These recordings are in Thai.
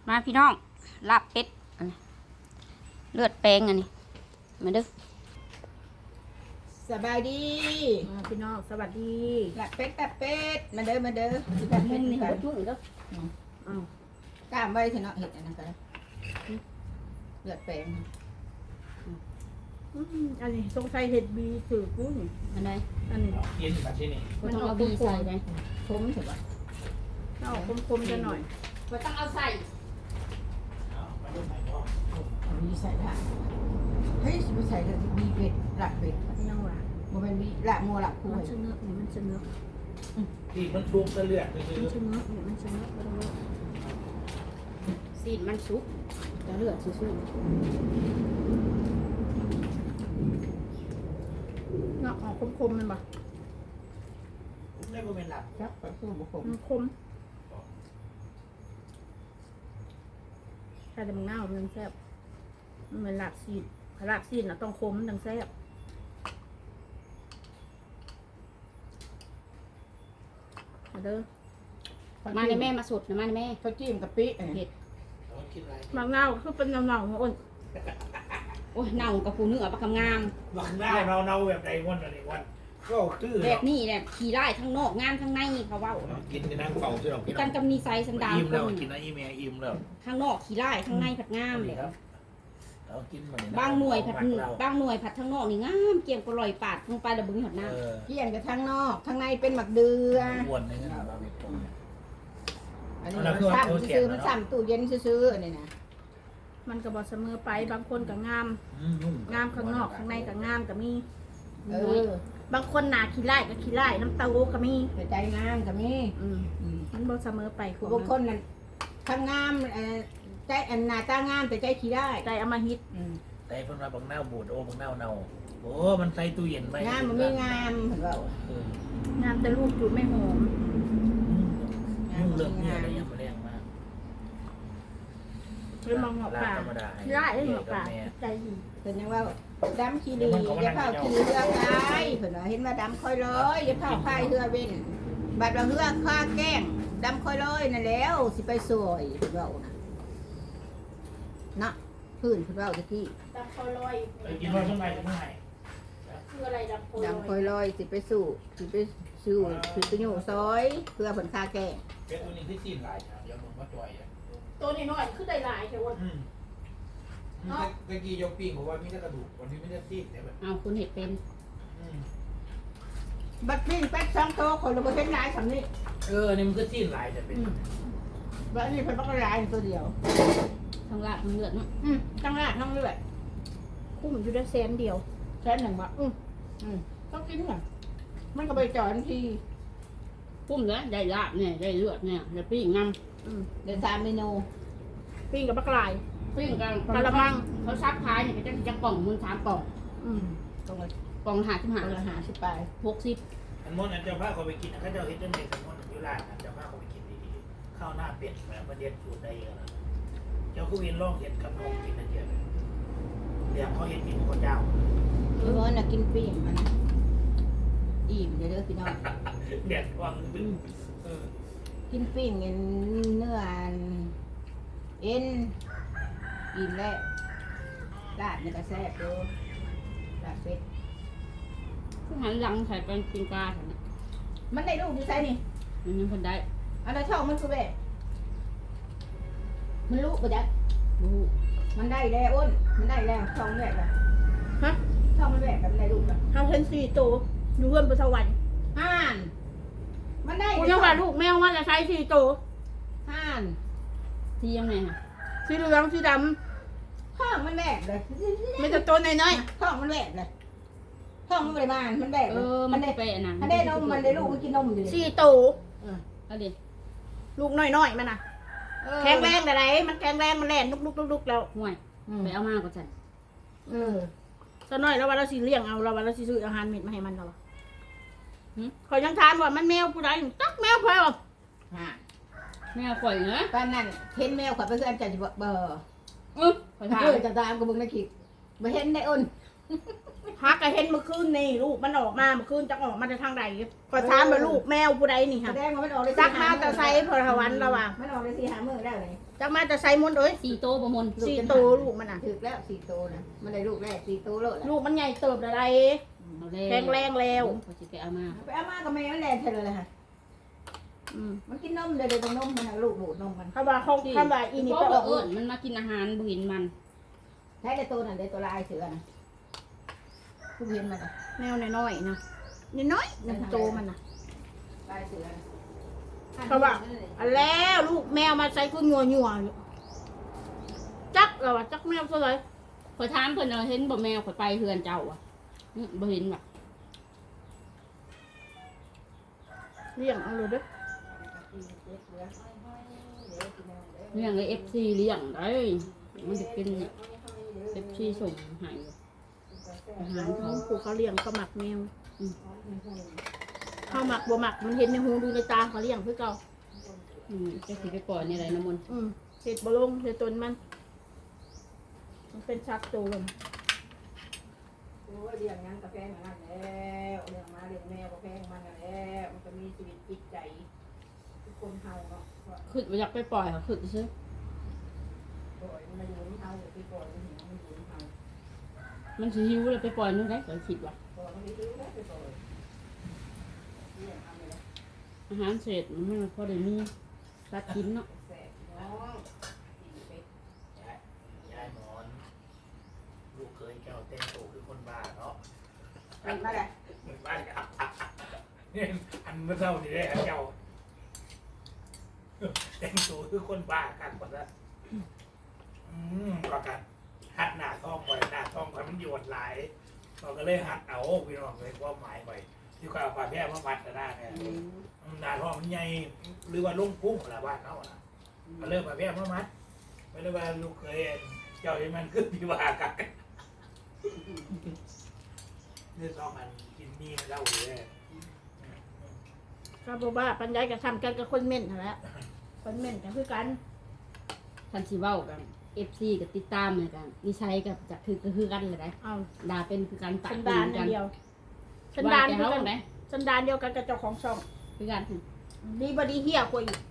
มาพี่น้องลาบเป็ดอันนี้เลือดแปลงอันนี้มาเด้อสบายดีพี่น้องสวัสดีหลักเป็ดตับเป็ดมาเด้อมาเด้อสิแต่ตับมุเป็ดมนี่กัหันวจุ่มเด้ออ้าวกล้ามไว้เถอะเนาะเห็ดอันนั้นก็ได้เลือดแปลงอันนี้สงสัยเห็ดบีสื่อกุ้งอันใดอันนี้เย็นแบบที่นี่บ่ต้องเอาบีใส่เลยผมถือว่าเอาคมๆจะหน่อยบ่ต้องเอาใส่เอาไปดูไหนพ่อมีใส่ละเฮ้ยสิไปใส่เลยมีเป็ดหลักเป็ดยังว่ามันเป็นมีหลักงัวหลักคู่มันชะเนื้อนี่มันชะเนื้อที่มันชุบตะเลือดคือมันชะเนื้อนี่มันชะเนื้อบ่ต้องเลือกซีนมันสุกจะเลือดซื่อเนาะออกคมๆมันบ่ได้ก็เป็นหลับครับไปสู้บุกผมมันคมถ้าจะมึงหน้ามันแซ่บมันเป็นลาบซีดลาบซีดน่ะต้องคมมันถึงแซ่บมาเด้อๆมาในแม่มาสดนะมาในแม่เขาจิ้มกะปิอันเผ็นี้ดเราคิดอะไรบางหน้าคือเป็นเงาๆอ้นโอ้ยเน่ากับผู้เนื้อปลากำงามบางหน้าเราแบบใดวันอะไรวันก็คือแบบนี้แหละขี่ไล่ทั้งนอกงามทั้งในเขาเว้ากินกันนั่งเฝ้าที่เรากินกันกับนีไซสันดานอิ่มคแล้วนกินนะอิ่มแม่อิ่มแล้วข้างนอกขี่ไล่ข้างในผัดงามเลยครับเรากินมันบางหน่วยผัดบางหน่วยผัดทั้งนอกนี่งามเกี่ยมก็ลอยปาดลงไปแล้วบึงหอดน้ำเกี่ยงกับทางนอกข้างในเป็นหมักเดืออ้วนในนั้นเราเป็นตรงอันนี้มันซ้ำซื้อมันซ้ำตู้เย็นซื้ออันนี้นะมันก็บ่เสมอไปบางคนก็งามนุ่มงามข้างนอกข้างในก็งามก็มีเออบางคนหนาขี้ไล่ก็ขี้ไล่น้ำเต้าหู้ก็มีแต่ใจงามกับนี่มันบ่เสมอไปคือบางคนนั่นทำงามใจอันหน้าตางามแต่ใจขี้ได้ใจเอามาฮิตแต่เพิ่นมาบางหน้าบูดโอ้บางหน้าเนาโอ้มันใส่ตู้เย็นไว้งามมันไม่งามเห็นเปล่างามแต่ลูกจูดไม่หอมนุ่มเรื่องเนี่ยอะไรยังไม่แรงมากเลยมองหงอกป่าขี้ไล่เลยหงอกป่าใจดีเห็นยังว่าดำขี้ดีอย่าเผาขี้เรือกายเห็นว่าเห็นว่าดำค่อยร้อยอย่าเผาพายเรือเว้นบัดว่าเรือข้าแกล้งดำค่อยร้อยนั่นแล้วสิไปสวยเห็นเปล่านะเนาะพื้นเห็นเปล่าตะกี้ดำคอลอยกินว่าช่วงไหนช่วงไหนคืออะไรดำคอลดำค่อยร้อยสิไปสู่สิไปสู่สิไปอยู่ซอยเพื่อผลข้าแกล้งเป็นตัวนี้ที่ซีนหลายเดี๋ยวมึงมาจ่อยอ่ะตัวนี้น้อยคือได้หลายแค่วันเมื่อกี้ยกปิ้งบอกว่ามีแต่กระดูกวันนี้ไม่ได้ซีนแต่แบบเอาคุณเห็ดเป็นบัดปิ้งเป็ด2 โตคนละบ่เห็นหลายสำนี้นี่มันก็ซีนหลายแต่เป็นบัดนี้เพิ่นบ่ก็หลายตัวเดียวทั้งลาบทั้งเลือดเนาะทั้งรากทั้งเลือดคุ้มอยู่ได้แสนเดียวแค่หนึ่งบ่ต้องกินน่ะมันก็ไปจอดทีปุ้มเลยได้ลาบเนี่ยได้เลือดเนี่ยได้ปิ้งงามเดี๋ยว3 เมนูปิ้งกับปลากรายปิ้งกันกะละมังเขาซักขายเนี่ยก็จะกล่องมึง3กล่องตรงละกล่องหาที่หาละ50 ไป 60 อันมอนอันเจ้าผ้าเขาไปกินเขาเจ้าเฮ็ดจังได๋สมมุติอยู่ร้านอันเจ้าผ้าเขาไปกินดีๆข้าวหน้าเป็ดแบบประเด็ดสูตรได้เยอะนะเจ้าคือเวียนลองเฮ็ดกับนมกินนะเจ้าเดี๋ยวเขาเฮ็ดกินข้าวเจ้าพี่ว่าน่ะกินปิ้งมันอิ่มเด้อพี่น้องเด็ดวังกินปิ้งเนื้อเอ็นอิ่มแล้วลาบนี่ก็แซ่บดูลาบเป็ดผู้หันหลังใส่เป็นปิงปลาค่ะเนี่ยมันได้ลูกอยู่ไสนี่มันยังคนได้อันนั้นช่องมันคือแบบมันลูกบ่จ๊ะรู้มันได้แล้วอ้นมันได้แล้วช่องแรกอะฮะช่องมันแรกกับมันได้ลูกอะเขาเห็น4ตัวอยู่เพื่อนบนสวรรค์ห่านมันได้กูยังว่าลูกแมวมันจะใช้4ตัวห่านที่ยังไงค่ะสีเหลืองสีดช่องมันแรกเลยำไม่แต่ตัวน้อยช่องมันแรกเลยช่องมันไม่ได้มามันแรกเอเลยอมัมันนได้ไปอันนั้นมันได้นมมันได้ลูกมันกินนมอยู่ๆเลย 4ตัวเอาดิลูกน้อยๆมันน่ะแข็งแรงแต่ไหนมันแข็งแรงมันแล่นลุกๆๆแล้วห่วยไปเอามาก็จันเออตอนน้อยแล้วว่าเราสิเลี้ยงเอาเราว่าเราสิซื้ออาหารเม็ดมาให้มันเราขอยยังถามว่ามันแมวผู้ใดตักแมวเพิ่นห่านแม่ข่อยเนอะตอนนั้นเห็นแมวขวัญไปเพื่อนจะเบอร์ไปถามจะตามกับมึงนะคิดไปเห็นได้อ้นฮักก็เห็นเมื่อคืนนี่ลูกมันออกมาเมื่อคืนจะออกมาจากทางใดก็ถามว่าลูกแมวผู้ใดนี่แสค่ะดงว่ามันออกได้จักมาแต่ไซพลวันระว่ามันออกได้4-5 มื้อแล้วเลยจักมาแต่ไซมดเอ้ย 4 โตวบ่มน 4 ตัวลูกมันน่ะถึกแล้ว4โตนะมันได้ลูกแรก4โตแล้วลูกมันใหญ่เติบอะไรเอาแล้วแข็งแรงแล้วเขาสิไปเอามาไปเอามาก็แม่มันแล่นเท่าเลยค่ะอืมมันกินนมเดี๋ยวตรงนมมันน่ะลูกดูดนมมันเขาว่าเขาคำว่าอีนี่เพไปราะอว่าอกเอิ้นมันมากินอาหารบ่เห็นมันใช้แต่ตัวนั่นได้ตัวลายเสือนะคุณเห็นมันอ่ะแมวน้อยๆนะน้อยๆนั่นโตมันน่ะลายเสือนะเขาว่าอันแล้วลูกแมวมาใส่คืองัวอยู่จักเราว่าจักแมวซะเลยข่อยถามเพิ่นเอาเห็นบ่แมวข่อยไปเฮือนเจ้าอ่ะบ่เห็นว่ะเลี้ยงเอาเลยเด้อเลี้ยงไอ้ FC เลี้ยงได้มันจะเป็น FC ส่งให้อาหารเขาผูเขาเลี้ยงเขาหมักแมวเขาหมักบ่หมักมันเห็นในหูดูในตาเขาเลี้ยงเพื่อเก่าจะสิไปปล่อยในไรน้ำมนต์เห็ดบลงเห็ดตนมันเป็นชักโจรโอ้ยเลี้ยงยังกาแฟเหมือนกันแล้วเลี้ยงมาเลี้ยงแมวกาแฟมันกันแล้วมันก็มีชีวิตจิตใจทุกคนเฮาเนาะขึ้นไปอยากไปปล่อยเขาขึ้นซื้อปล่อยมันมาอยู่ในเฮาไปปล่อยมันอยู่ในเฮามันสิหิวเลยไปปล่อยนู่นได้ก็คิดว่าปล่อยมันไปซื้อแล้วไปปล่อยเลี้ยงเอาไปเลยอาหารเสร็จมันไม่พอได้มีรัดกินเนาะแสบน้องกินไปยายหมอนลูกเคยแก้วเต้นโตคือคนบ้าเนาะเป็นมาเลยมันบ้าเนี่ยอันเมื่อเช้านี่ได้เจ้าเต้นโตคือคนบ้ากันหมดแล้วประกันหัดหน้าท้องไปหน้าท้องไปมันโยดหลายเราก็เลยหัดเอาพี่น้องเลยความหมายไปที่เขาเอาปลาแพร่มามัดกันได้เนี่ยหน้าท้องมันใหญ่หรือว่าลุ่งพุ่งอะไรบ้านเขาอ่ะมาเริ่มปลาแพร่มามัดไม่ได้ว่าลูกเคยเจ้าที่มันขึ้นพิวากันนี่ต้องมันกินนี่เล่าเลยก็บอกว่าปัญญากับทำกันกับคนเม่นนั่นแหละคนเม่นกันคือกันทันสิเว้ากัน FC กับติดตามเหมือนกันนิสัยกับจะคือกันเลยได้เอาด่าเป็นคือกันตัสักนปืดานนกันเดียวสัสันนดาดาน นเดีเดียยว วกักัน นไหมสันดานเดียวกันกับเจ้าของช่องคือกันดีบดีเหี้ยกว่าอีก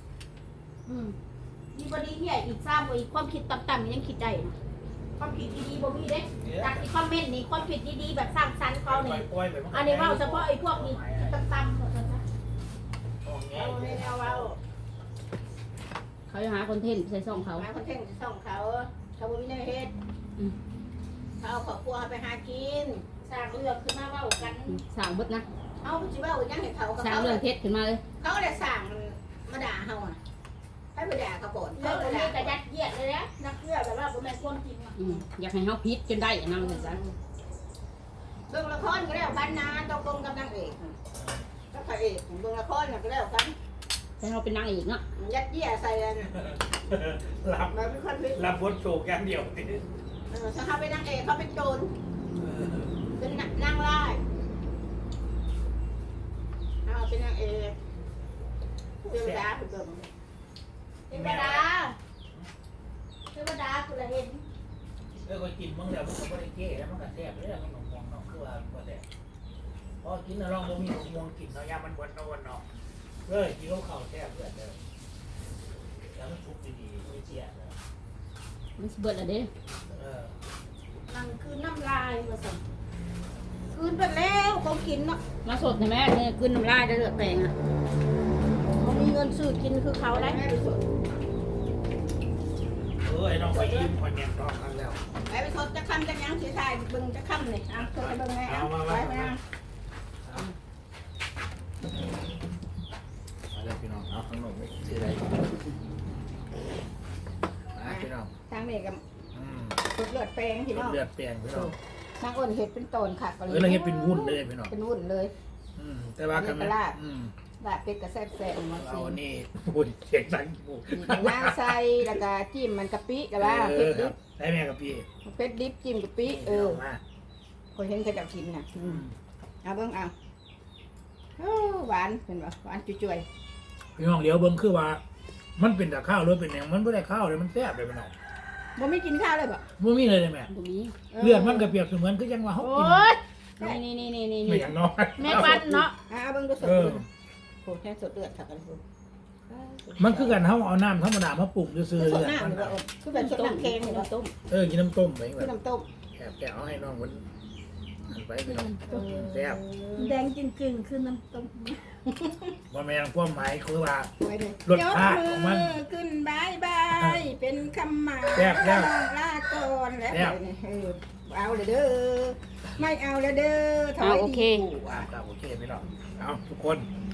ดีบดีเหี้ยอีกสร้างกว่าอีกความคิดต่ำๆยังคิดได้นะความคิดดีๆบ่มีเด้จากที่คอมเมนต์นี่ความคิดดีๆแบบสร้างสรรค์เขานี่อันนี้ว่าเฉพาะไอ้พวกนี้ต่ำๆหมดเลยนะเอาให้เอาเขาจะหาคอนเทนต์ใส่ซ่องเขามาคนเท่งส่องเขาเขาบ่มีแนวเฮ็ดเขาเอาครอบครัวไปหากินสร้างเรื่องขึ้นมาเว้ากันสร้างเบิดนะเอาสิว่ายังให้เขากับสร้างเขาเรื่องเท็จขึ้นมาเลยเขาได้สั่งมาด่าเฮาอ่ะให้ไปด่าเขาก่อนเรื่เขาองไปนี้ด่าก็ยัดเยียดเลยนะนักเรื่องแบบว่าบ่แม่นความจริงอ่ะอยากให้เขาพิษจนได้อันนั่นเลยจ้ะเบิ่งละครก็แล้วกันนะตกลงกับนางเอกก็พระเอกเบิ่งละครก็แล้วกันให้เขาเป็นนางเอกเนาะยัดเยียดใส่กันรับมันเป็นคนพิษรับบทโศกอย่างเดียวนี่ถ้าเขาเป็นนางเอกเขาเป็นโจรเป็นนางร้ายเขาเป็นนางเอกเทวดาเบิ่งเทวดาคุณละเห็นก็กินมึงแล้วมันก็ไม่ได้เก้แล้วมันก็แซ่บเลยมันหนองน้องคือว่าก็แซ่บพอกินแล้วลองบ่มีหนองกินเนาะยามันบนโนนเนาะกินข้าวแซ่บเพื่อนเด้อแล้วมันชุบดีๆไม่เจียนะมันสิเบิดอะเด้นั่นคือน้ำลายมาสั่งคืนไปแล้วเขากินเนาะมาสดใช่ไหมเนี่ยขึ้นน้ำลายได้เลือดแปลงอ่ะเขามีเงินซื้อกินคือเขาได้แม่ไปสดไอ้น้องไปยิ้มคนแย่งรอบกันแล้วไปสดจะคำจะยังสีทายเบิ่งจะคำเลยอ่ะสดจะเบิ่งไงอ่ะไปไปนะมาเลยพี่น้องเอาขนมไม่ซื้ออะไรพี่น้องทางนี้กับสดเลือดแปลงพี่น้องเลือดเปลี่ยนพี่น้องนางอ้นเห็ดเป็นตนค่ะก็เลยเราเห็นเป็นวุ้นเลยพี่น้องเป็นวุ่นเลยแต่ว่ากันลาบเป็ดกระแซบแซ่บมันเราสินี่วุ้นเสียงสั่งหมูน้ำใส่แล้วก็จิ้มมันกะปิกะว่าเป็ดดิบได้แม่กับพี่เป็ดดิบจิ้มกะปิคนเห็นเขาจะกินน่ะเอาเบิ่งเอาหวานเป็นบ่หวานจุ่ยพี่น้องเดี๋ยวเบิ้งคือว่า มันเป็นแต่ข้าวหรือเป็นอย่างมันไม่ได้ข้าวเลยมันแซ่บเลยพี่น้องๆบ่ไม่กินข้าวเลยบ่บ่มีเลยแม่ตรงนี้เลือดมันก็เปรียบเสมือนคือยังว่าเฮาโอ้กินยนี่ไม่อย่างน้อยแม่ปันเนาะเอาเบิ่งดูสดเออโหแค่สดเลือดค่ะกันมันคือกันเฮาเอาน้ำธรรมดามาปรุงซื่อๆสเลืดอดน้ำมันหรือว่าคือแบบสดน้ำแกงเนี่ยต้มกินน้ำต้มไปแบคือบ น้ำต้มแกะเอาให้น้องมันอันไปพี่น้องแซ่บแดงจึงๆคือน้ำต้มว่าแม่งความหมายคือว่าไว้เลยรสชาติของมันยกมือขึ้นบายบายเป็นคำหมายแซ่บแล้วลาก่อนแล้วแซ่บเอาเลยเด้อไม่เอาเลยเด้อถอยดีกว่าครับโอเคพี่น้องเอาทุกคน